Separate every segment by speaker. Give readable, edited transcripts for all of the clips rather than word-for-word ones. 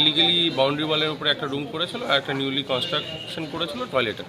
Speaker 1: Illegally boundary ওয়ালের উপরে একটা রুম করেছিল আর একটা নিউলি কনস্ট্রাকশন করেছিল টয়লেটে।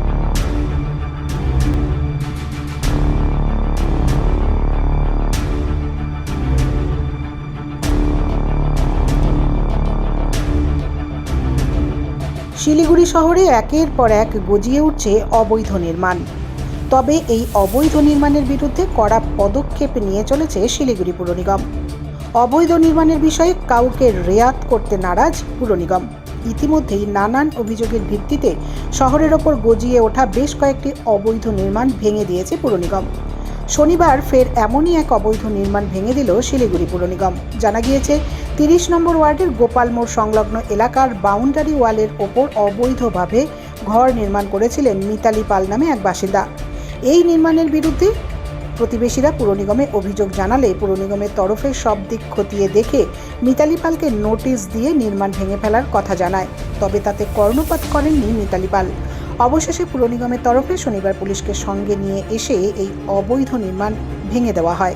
Speaker 2: শিলিগুড়ি শহরে একের পর এক গজিয়ে উঠছে অবৈধ নির্মাণ। তবে এই অবৈধ নির্মাণের বিরুদ্ধে কড়া পদক্ষেপ নিয়ে চলেছে শিলিগুড়ি পুর নিগম। অবৈধ নির্মাণের বিষয়ে কাউকে রেয়াত করতে নারাজ পুর নিগম। ইতিমধ্যেই নানান অভিযোগের ভিত্তিতে শহরের ওপর গজিয়ে ওঠা বেশ কয়েকটি অবৈধ নির্মাণ ভেঙে দিয়েছে পুর নিগম। শনিবার ফের এমনই এক অবৈধ নির্মাণ ভেঙে দিল শিলিগুড়ি পুর নিগম। জানা গিয়েছে 30 নম্বর ওয়ার্ডের গোপাল মোড় সংলগ্ন এলাকার বাউন্ডারি ওয়ালের ওপর অবৈধভাবে ঘর নির্মাণ করেছিলেন মিতালি পাল নামে এক বাসিন্দা। এই নির্মাণের বিরুদ্ধে প্রতিবেশীরা পুর নিগমে অভিযোগ জানালে পুর নিগমের তরফে সব দিক খতিয়ে দেখে মিতালি পালকে নোটিশ দিয়ে নির্মাণ ভেঙে ফেলার কথা জানায়। তবে তাতে কর্ণপাত করেননি মিতালি পাল। অবশেষে পুর নিগমের তরফে শনিবার পুলিশকে সঙ্গে নিয়ে এসে এই অবৈধ নির্মাণ ভেঙে দেওয়া হয়।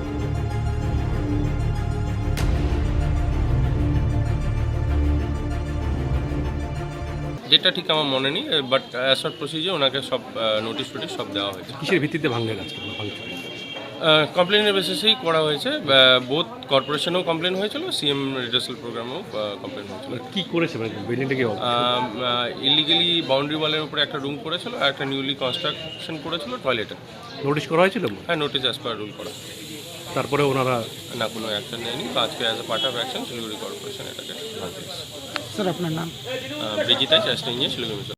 Speaker 1: যেটা ঠিক আমার মনে নেই, বাট অ্যাজ পার প্রসিজার ওনাকে সব নোটিশ ফোটিশ সব দেওয়া হয়েছে।
Speaker 3: কিসের ভিত্তিতে ভাঙলেন আজকে?
Speaker 1: কমপ্লেনের বেসিসেই করা হয়েছে। বোথ কর্পোরেশনেও কমপ্লেন হয়েছিল, সিএম রিডার্সাল প্রোগ্রামেও কমপ্লেন হয়েছিল।
Speaker 3: কি করেছে মানে বিল্ডিংটা কি?
Speaker 1: ইলিগালি বাউন্ডারি ওয়ালের উপরে একটা রুম করেছিল আর একটা নিউলি কনস্ট্রাকশন করেছিল টয়লেটে।
Speaker 3: নোটিশ করা হয়েছিল?
Speaker 1: হ্যাঁ, নোটিশ অ্যাজ পার রুল করা।
Speaker 3: তারপরে ওনারা
Speaker 1: না, কোনো অ্যাকশন নেয়নি। তো আজকে as a part of action Siliguri corporation এটাকে ভাঙতে এসেছে।
Speaker 2: স্যার, আপনার নাম?
Speaker 1: ব্রিজিতা চাষটা নিয়ে শিলিগুড়ি।